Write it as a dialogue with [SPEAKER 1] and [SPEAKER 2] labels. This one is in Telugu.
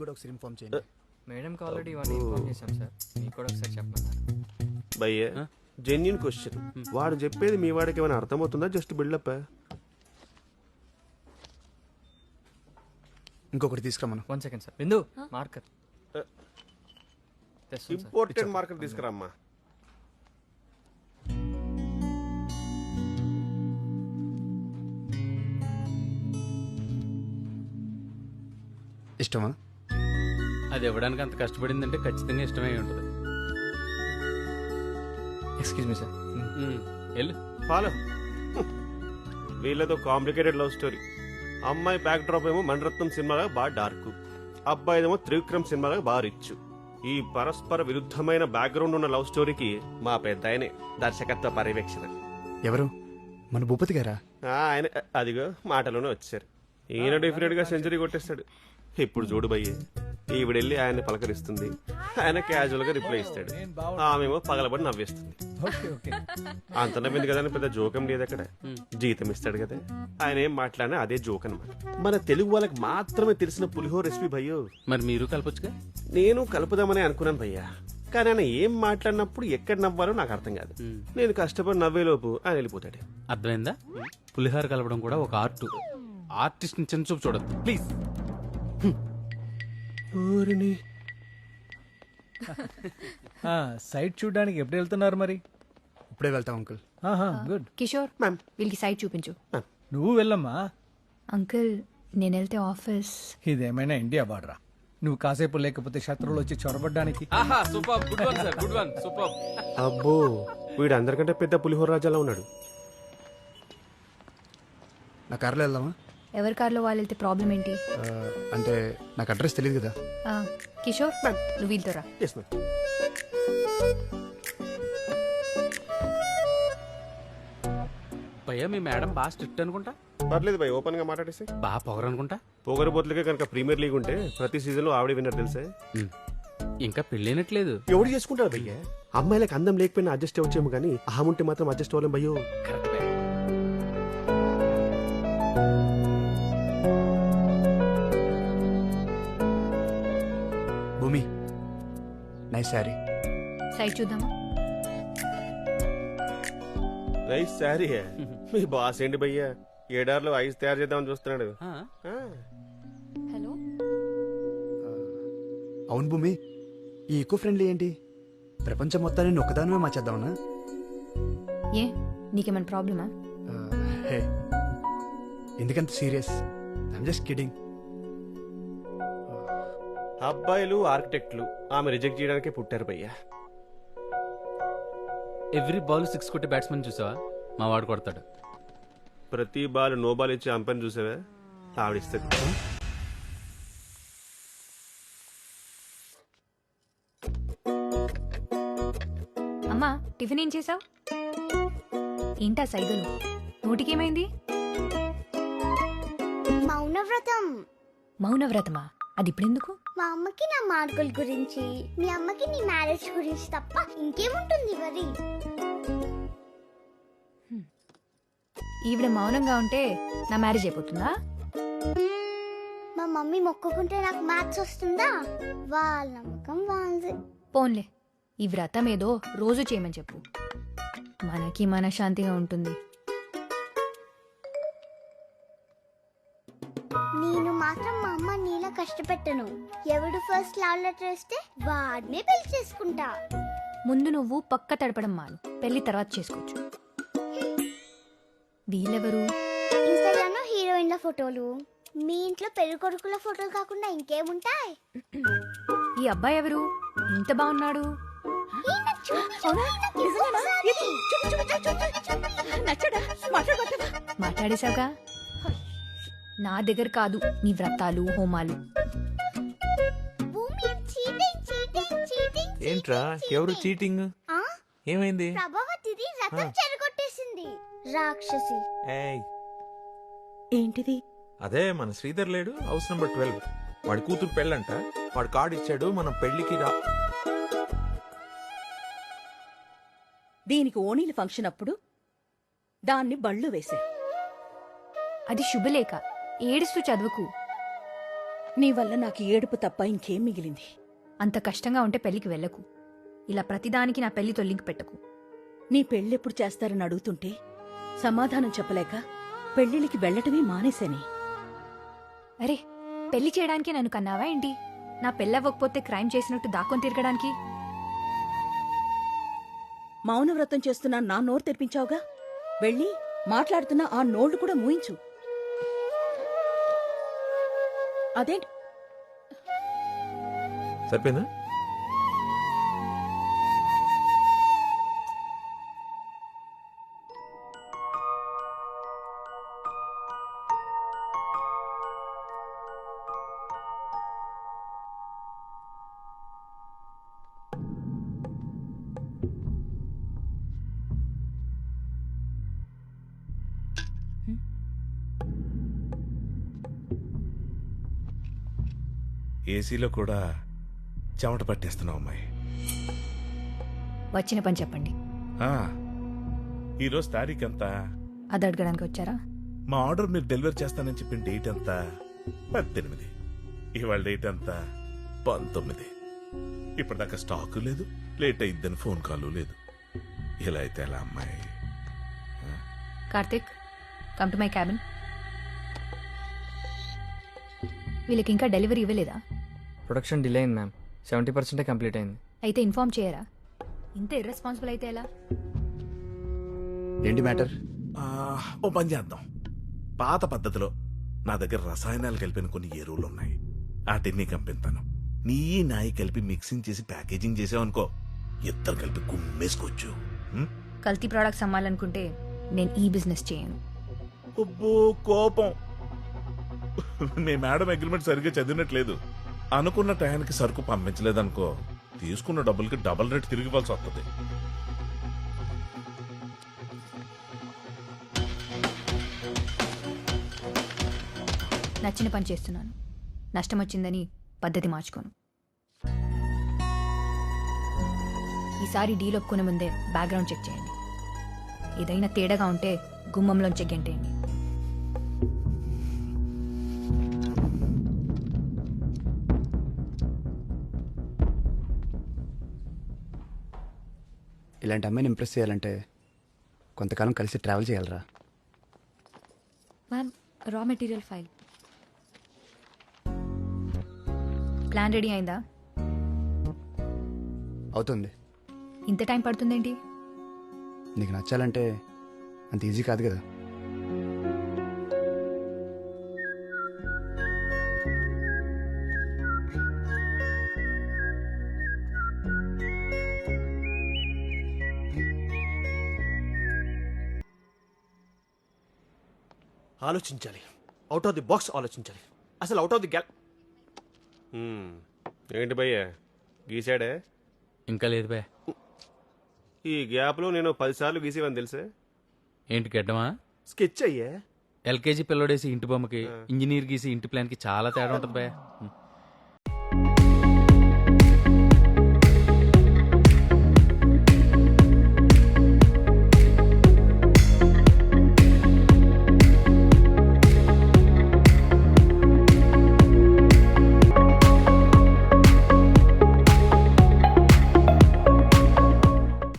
[SPEAKER 1] కూడా ఒకసారి ఇన్ఫార్మ్ చేయండి.
[SPEAKER 2] మేడంకి ఆల్రెడీ ఇవన్నీ ఇన్ఫార్మ్ చేశాం సార్, మీకు కూడా ఒకసారి చెప్పమన్నారు.
[SPEAKER 3] భయ్య జెన్యున్ క్వశ్చన్, వాడు చెప్పేది మీ వాడికి ఏమైనా అర్థమవుతుందా జస్ట్ బిల్డప్?
[SPEAKER 1] ఇంకొకటి తీసుకురామను.
[SPEAKER 2] 1 second sir. Bindu marker
[SPEAKER 3] important marker తీసుకురామ్మా.
[SPEAKER 1] ఇష్టమా?
[SPEAKER 4] అది ఇవ్వడానికి అంత కష్టపడిందంటే ఖచ్చితంగా ఇష్టమై ఉంటుంది.
[SPEAKER 2] Excuse me sir.
[SPEAKER 4] వెళ్ళు.
[SPEAKER 3] ఫాలో. వీళ్ళతో కాంప్లికేటెడ్ లవ్ స్టోరీ. అమ్మాయి బ్యాక్ డ్రాప్ ఏమో మణరత్నం సినిమాగా బాగా డార్క్, అబ్బాయిదేమో త్రివిక్రమ్ సినిమాగా బాగా రిచ్. ఈ పరస్పర విరుద్ధమైన బ్యాక్గ్రౌండ్ ఉన్న లవ్ స్టోరీకి మా పెద్ద ఆయనే దర్శకత్వ పర్యవేక్షణ.
[SPEAKER 1] ఎవరు? మన భూపతి గారా?
[SPEAKER 3] ఆయన అదిగో మాటలోనే వచ్చారు. ఈయన డెఫినెట్ గా సెంచరీ కొట్టేస్తాడు. ఇప్పుడు చూడు భయ్య, ఈవిడెళ్ళి ఆయన్ని పలకరిస్తుంది, ఆయన క్యాజువల్ గా రిప్లై ఇస్తాడు, ఆమెమో పగలబడి నవ్వేస్తుంది. అంత నవ్వింది కదా అని పెద్ద జోకం లేదు అక్కడ, జీతం ఇస్తాడు కదా. ఆయన ఏం మాట్లాడినా అదే జోక్ అనమాట. మన తెలుగు వాళ్ళకి మాత్రమే తెలిసిన పులిహోర రెసిపీ భయ్యో.
[SPEAKER 4] మరి మీరు కలపొచ్చుగా?
[SPEAKER 3] నేను కలుపుదామని అనుకున్నాను భయ్యా, కానీ ఆయన ఏం మాట్లాడినప్పుడు ఎక్కడ నవ్వాలో నాకు అర్థం కాదు. నేను కష్టపడి నవ్వేలోపు ఆయన వెళ్ళిపోతాడు.
[SPEAKER 4] అర్థమైందా? పులిహోర కలపడం కూడా ఒక ఆర్ట్. ఆర్టిస్ట్ ని చిన్న చూపు చూడద్దు ప్లీజ్.
[SPEAKER 5] సైట్ చూడడానికి ఎప్పుడు వెళ్తున్నారు మరి?
[SPEAKER 1] ఇప్పుడే వెళ్తాం అంకుల్.
[SPEAKER 5] గుడ్.
[SPEAKER 6] కిషోర్, వీళ్ళకి సైట్ చూపించు.
[SPEAKER 5] నువ్వు వెళ్ళమ్మా.
[SPEAKER 6] అంకుల్, నేను వెళ్తే ఆఫీస్.
[SPEAKER 5] ఇదేమైనా ఇండియా బార్డరా? నువ్వు కాసేపు లేకపోతే శత్రువులు వచ్చి చొరబడ్డానికి.
[SPEAKER 3] అబ్బో, వీడు అందరికంటే పెద్ద పులిహోర రాజాలా ఉన్నాడు.
[SPEAKER 1] నా కార్లో వెళ్దామా?
[SPEAKER 6] ఎవరి కార్లో వాళ్ళు వెళ్తే ప్రాబ్లం ఏంటి?
[SPEAKER 1] అంటే నాకు అడ్రస్ తెలియదు కదా.
[SPEAKER 6] కిషోర్, నువ్వు వీళ్ళతో రా.
[SPEAKER 4] భయ్యా మీ మేడం బాగా స్ట్రిక్ట్ అనుకుంటా.
[SPEAKER 3] పర్లేదు భయ్, ఓపెన్ గా మాట్లాడేసి.
[SPEAKER 4] బాగా పొగరు అనుకుంటా.
[SPEAKER 3] పొగరబోతులకే కనుక ప్రీమియర్ లీగ్ ఉంటే ప్రతి సీజన్ లో ఆవిడ విన్నర్ తెలుసా.
[SPEAKER 4] ఇంకా పెళ్ళైనట్లేదు.
[SPEAKER 3] ఎవడు చేసుకుంటారు భయ్య? అమ్మాయిలకు అందం లేకపోయినా అడ్జస్ట్ అవ్వచ్చేమో కానీ అహం ఉంటే మాత్రం అడ్జస్ట్ అవ్వలేం భయ్యో.
[SPEAKER 1] భూమి, నైస్ శారీ.
[SPEAKER 6] సైట్ చూద్దామా?
[SPEAKER 3] నైస్ శారీ. మీ బాస్ ఏంటి భయ్యా, ఏడార్లో ఐస్ తయారు చేద్దామని చూస్తున్నాడు.
[SPEAKER 6] హలో.
[SPEAKER 1] అవును భూమి, ఈ ఈకో ఫ్రెండ్లీ ఏంటి? ప్రపంచం మొత్తాన్ని నేను ఒక్కదానమే మార్చేద్దామనా?
[SPEAKER 6] ఏ, నీకేమైనా ప్రాబ్లమా?
[SPEAKER 1] హే, ఎందుకంత సీరియస్? I'm just kidding.
[SPEAKER 3] అబ్బాయిలు ఆర్కిటెక్ట్లు ఆమె రిజెక్ట్ చేయడానికే పుట్టారు భయ్యా.
[SPEAKER 4] ఎవ్రీ బాల్ 6 కొట్టే బ్యాట్స్మెన్ చూసావా? మా వాడు కొడతాడు.
[SPEAKER 3] ప్రతి బాల్ నో బాల్ ఇచ్చే అంపైర్ చూసావా? ఆవిడిస్తుంది.
[SPEAKER 6] అమ్మా, టిఫిన్ ఏం చేసావు? ఏంటా సైగలు? నోటికేమైంది?
[SPEAKER 7] మౌనవ్రతం.
[SPEAKER 6] మౌనవ్రతమా? అది ఇప్పుడెందుకు?
[SPEAKER 7] మా అమ్మకి నా మార్కుల గురించి, మీ అమ్మకి నీ మ్యారేజ్ గురించి తప్ప ఇంకేముంటుంది మరి?
[SPEAKER 6] ఈవిడ మౌనంగా ఉంటే నా మ్యారేజ్ అయిపోతుందా?
[SPEAKER 7] మా మమ్మీ మొక్కుకుంటే నాకు మ్యాథ్స్ వస్తుందా? వాళ్ళ నమ్మకం వాళ్ళది.
[SPEAKER 6] పోన్లే, ఈ వ్రతం ఏదో రోజు చేయమని చెప్పు, మనకి మనశ్శాంతిగా ఉంటుంది.
[SPEAKER 7] నేను మాత్రం మా అమ్మ నీలా కష్టపెట్టను. ఎవడు ఫస్ట్ లవ్ లెటర్ వస్తే వాడినే పెళ్లి చేసుకుంటా.
[SPEAKER 6] ముందు నువ్వు పక్క తడపడం మాను, పెళ్లి తర్వాత చేసుకోవచ్చు. వీళ్ళెవరు?
[SPEAKER 7] ఇన్స్టాగ్రామ్ లో హీరోయిన్ల ఫోటోలు, మీ ఇంట్లో పెళ్లి కొడుకుల ఫోటోలు కాకుండా ఇంకేముంటాయి?
[SPEAKER 6] ఈ అబ్బాయి ఎవరు? ఇంత బాగున్నాడు. మాట్లాడేశావుగా, నా దగ్గర కాదు నీ వ్రతాలు హోమాలు.
[SPEAKER 8] ఏంట్రా, ఎవరు చీటింగ్? ఏమైంది?
[SPEAKER 7] ప్రభావతిది రథం చెరగొట్టేసింది రాక్షసి.
[SPEAKER 6] ఏంటిది?
[SPEAKER 8] అదే మన శ్రీధర్ లేడు, హౌస్ నెంబర్ 12. వాడి కూతురు పెళ్ళంట. వాడు కార్డు ఇచ్చాడు, మనం పెళ్లికి రా.
[SPEAKER 9] దీనికి ఓణీల ఫంక్షన్ అప్పుడు దాన్ని బళ్ళు వేసే.
[SPEAKER 6] అది శుభలేఖ, ఏడుస్తూ చదువుకు.
[SPEAKER 9] నీ వల్ల నాకు ఏడుపు తప్ప ఇంకేం మిగిలింది?
[SPEAKER 6] అంత కష్టంగా ఉంటే పెళ్లికి వెళ్ళకు. ఇలా ప్రతిదానికి నా పెళ్లితో లింక్ పెట్టకు.
[SPEAKER 9] నీ పెళ్ళెప్పుడు చేస్తారని అడుగుతుంటే సమాధానం చెప్పలేక పెళ్ళిళ్ళకి వెళ్ళటమే మానేశాని.
[SPEAKER 6] అరే, పెళ్లి చేయడానికి నన్ను కన్నావా ఏంటి? నా పెళ్ళవ్వకపోతే క్రైమ్ చేసినట్టు దాక్కొని తిరగడానికి?
[SPEAKER 9] మౌనవ్రతం చేస్తున్నా నా నోరు తెరిపించావుగా. వెళ్ళి మాట్లాడుతున్న ఆ నోళ్లు కూడా మూయించు. అదేంటి?
[SPEAKER 8] సరిపోయిందా?
[SPEAKER 10] ఏసీలో కూడా చెమట పట్టేస్తున్నావు అమ్మాయి.
[SPEAKER 6] వచ్చిన పని చెప్పండి.
[SPEAKER 10] ఆ, ఈరోజు తారీఖు ఎంత?
[SPEAKER 6] అది అడగడానికి వచ్చారా?
[SPEAKER 10] మా ఆర్డర్ మీరు డెలివరీ చేస్తానని చెప్పిన డేట్ ఎంత? 18. ఇవాళ డేట్ ఎంత? 19. ఇప్పటిదాకా స్టాక్ లేదు, లేట్ అయిద్దని ఫోన్ కాల్ లేదు. ఇలా అయితే ఎలా అమ్మాయి?
[SPEAKER 6] Karthik, come to my cabin. వీళ్ళకి ఇంకా డెలివరీ ఇవ్వలేదా?
[SPEAKER 2] ప్రొడక్షన్ డిలే అయింది మ్యామ్. 70% కంప్లీట్ అయింది.
[SPEAKER 6] అయితే ఇన్ఫార్మ్ చేయరా? ఇంత ఇర్రెస్పాన్సిబుల్ అయితే ఎలా?
[SPEAKER 1] ఏంటి మ్యాటర్?
[SPEAKER 10] ఓ పని చేద్దాం. పాత పద్ధతిలో నా దగ్గర రసాయనాలు కలిపిన కొన్ని ఎరువులు ఉన్నాయి. వాటిని కంపిస్తాను. నీ నాయి కలిపి మిక్సింగ్ చేసి ప్యాకేజింగ్ చేసావనుకో, ఇద్దరు కలిపి కుమ్మేసుకోవచ్చు.
[SPEAKER 6] కల్తీ ప్రోడక్ట్స్ అమ్మాలనుకుంటే నేను ఈ బిజినెస్ చేయను.
[SPEAKER 10] అబ్బో కోపం. మీ మేడం అగ్రిమెంట్ సరిగ్గా చదివినట్లేదు. అనుకున్న టయానికి సరుకు పంపించలేదనుకో, తీసుకున్న డబ్బులకి డబుల్ రేట్ తిరిగి ఇవ్వాల్సి వస్తుంది.
[SPEAKER 6] నచ్చిన పని చేస్తున్నాను. నష్టం వచ్చిందని పద్ధతి మార్చుకోను. ఈసారి డీల్ ఒప్పుకునే ముందే బ్యాక్గ్రౌండ్ చెక్ చేయండి. ఏదైనా తేడాగా ఉంటే గుమ్మంలోంచి గెంటేయండి.
[SPEAKER 1] ఇలాంటి అమ్మాయిని ఇంప్రెస్ చేయాలంటే కొంతకాలం కలిసి ట్రావెల్ చేయాలరా.
[SPEAKER 6] Ma'am, raw material file. Plan ready అయిందా?
[SPEAKER 1] అవుతుంది.
[SPEAKER 6] ఇంత టైం పడుతుందేంటి?
[SPEAKER 1] నీకు నచ్చాలంటే అంత ఈజీ కాదు కదా.
[SPEAKER 3] ఆలోచించాలి. అవుట్ ఆఫ్ ది బాక్స్ ఆలోచించాలి. అసలు అవుట్ ఆఫ్ ది గ్యాల్. ఏంటి భయ్యా గీసాడే?
[SPEAKER 4] ఇంకా లేదు బే.
[SPEAKER 3] ఈ గ్యాప్లో నేను 10 సార్లు గీసేవని తెలుసే.
[SPEAKER 4] ఏంటి గడ్డమా?
[SPEAKER 3] స్కెచ్ అయ్యే.
[SPEAKER 4] ఎల్కేజీ పిల్లడేసి ఇంటి బొమ్మకి, ఇంజనీర్ గీసి ఇంటి ప్లాన్కి చాలా తేడా ఉంటుంది బే.